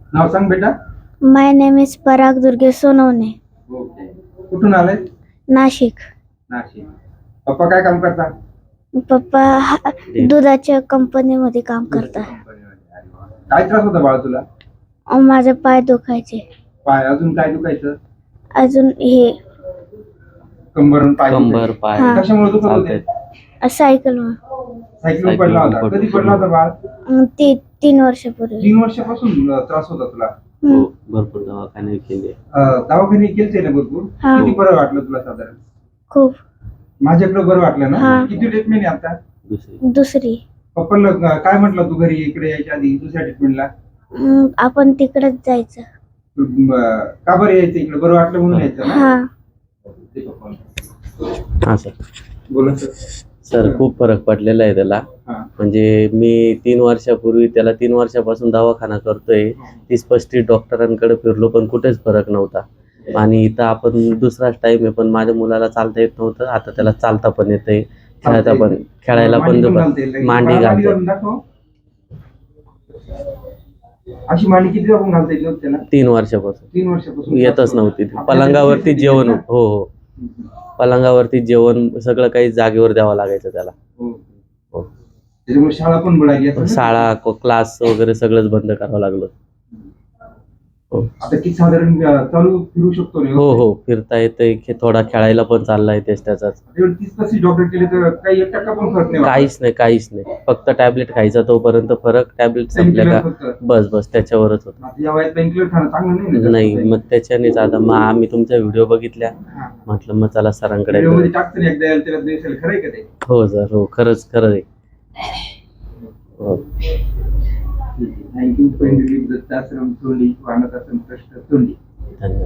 नाव सांग बेटा. My name is Parag Durgesh Sonawane. Okay. कुठून आलाय? नाशिक. नाशिक. पप्पा काय काम करतात? पप्पा दुधाच्या कंपनीमध्ये काम करतात. काय त्रास होता बाळा तुला? माझे पाय दुखायचे. पाय अजून काय दुखायचं? अजून हे कंबर पाय कंबर पाय हा. कशामुळे दुखत होते? सायकल सायकल पडला होता. कधी पडला होता बाळ? 3 वर्षापूर्वी. 3 वर्षापासून त्रास होता तुला? हो, भरपूर दवाखाने केले. दवाखाने केलते ना भरपूर? हा. किती बरं वाटलं तुला साधारण? खूप. माझ्याकडे बरं वाटलं ना? हा. किती ट्रीटमेंट आहे आता? दुसरी. पप्पाला काय म्हटलं तू घरी इकडे यायच्या आधी दुसऱ्या ट्रीटमेंटला? आपण तिकडेच जायचं. का बरं यायचं इकडे? बरं वाटलं म्हणून यायचं ना? हा. हा सर. बोला सर. सर खूप फरक पडलेला आहे त्याला. हा. म्हणजे मी 3 वर्षापूर्वी त्याला 3 वर्षापासून दवाखाना करतोय. 30-35 डॉक्टरांकडे फिरलो पण कुठेच फरक नव्हता. आणि इथं आपण दुसराच टाइम आहे पण माझ्या मुलाला चालता येत नव्हतं. आता त्याला चालता पण येतंय, खेळायला पण मांडी घालते. अशी मांडी किती जाऊन घालता येईल त्याला? 3 वर्षापासून. 3 वर्षापासून येतच नव्हती. पलंगावरती जेवण. हो हो, पलंगावरती जेवण सगळं काही जागेवर द्यावं लागायचं त्याला. हो. त्याच्यामुळे शाळा पण बुडाली असेल ना? शाळा क्लास वगैरे सगळंच बंद करावं लागलं. आता किती साधारण चालू फिरू शकतो ना? हो हो, फिरता येतंय, थोडा खेळायला पण चाललाय त्याचाच. 30-35 डॉक्टर केले तर काही 1% पण फरक नाही? काहीच नाही. फक्त टॅबलेट खायचा तोपर्यंत फरक. टॅबलेट संपल्या का बस त्याच्यावरच होत. या वयात पेनकिलर खाणं चांगलं नाही? नाही, मग त्याच्यानेच आता मग आम्ही तुमच्या व्हिडिओ बघितल्या, म्हटलं मग चला सरांकडे. खरंय का ते? हो सर, हो, खरंच खरं आहे. थँक्यू. पेन रिलीफ दत्ताश्रम तोंडी, अनाथ आश्रम ट्रस्ट तोंडी. धन्यवाद.